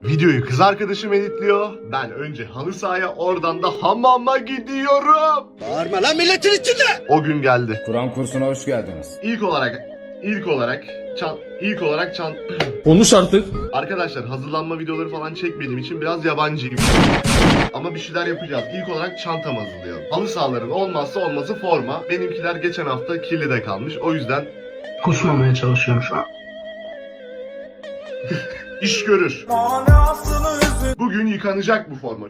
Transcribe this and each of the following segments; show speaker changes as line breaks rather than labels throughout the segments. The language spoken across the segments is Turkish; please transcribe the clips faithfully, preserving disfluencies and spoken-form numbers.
Videoyu kız arkadaşım editliyor. Ben önce halı sahaya, oradan da hamama gidiyorum.
Bağırma lan milletin içinde.
O gün geldi.
Kur'an kursuna hoş geldiniz.
İlk olarak ilk olarak çan ilk olarak çan
Konuş artık.
Arkadaşlar hazırlanma videoları falan çekmediğim için biraz yabancıyım. Ama bir şeyler yapacağız. İlk olarak çantam hazırlayalım. Halı sahaların olmazsa olmazı forma. Benimkiler geçen hafta kirlide kalmış. O yüzden
Kusmamaya çalışıyorum şu an.
iş görür. Bugün yıkanacak bu forma.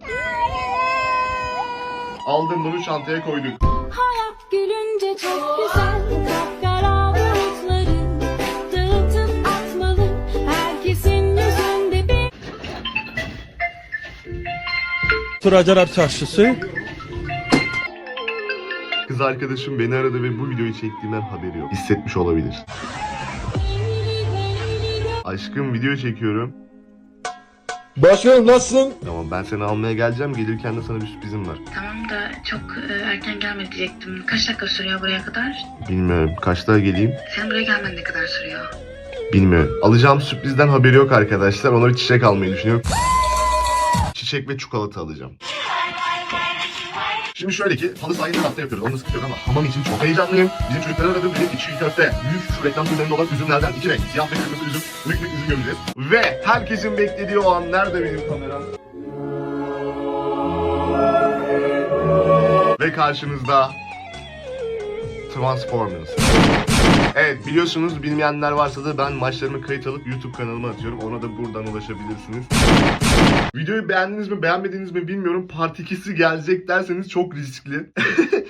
Aldım bunu, çantaya koyduk.
Hayat gülünce çok güzel, kapkara bulutların dağıtıp atmalı, herkesin yüzünde bir...
Turacalar Çarşısı.
Kız arkadaşım beni aradı ve bu videoyu çektiğimden haberi yok. Hissetmiş olabilir. Aşkım video çekiyorum.
Başkanım nasılsın?
Tamam, ben seni almaya geleceğim. Gelirken de sana bir sürprizim var.
Tamam da çok e, erken gelme diyecektim. Kaç dakika sürüyor buraya kadar?
Bilmiyorum. Kaçta geleyim?
Sen buraya gelmen ne kadar sürüyor?
Bilmiyorum. Alacağım sürprizden haberi yok arkadaşlar. Onları çiçek almayı düşünüyorum. Çiçek ve çikolata alacağım. Şimdi şöyle ki, halı sahayı her hafta yapıyoruz. Onu sıkıntı yok ama hamam için çok heyecanlıyım. Bizim çocukları aradım. Dedim içi köfte. Büyük şu reklam filmlerinde olan üzümlerden iki renk. Siyah ve kırmızı üzüm. Büyük büyük üzüm göreceğiz. Ve herkesin beklediği o an, nerede benim kameram? Ve karşınızda Transformers. Evet, biliyorsunuz, bilmeyenler varsa da ben maçlarımı kayıt alıp YouTube kanalıma atıyorum. Ona da buradan ulaşabilirsiniz. Videoyu beğendiniz mi beğenmediniz mi bilmiyorum. Part ikisi gelecek derseniz çok riskli.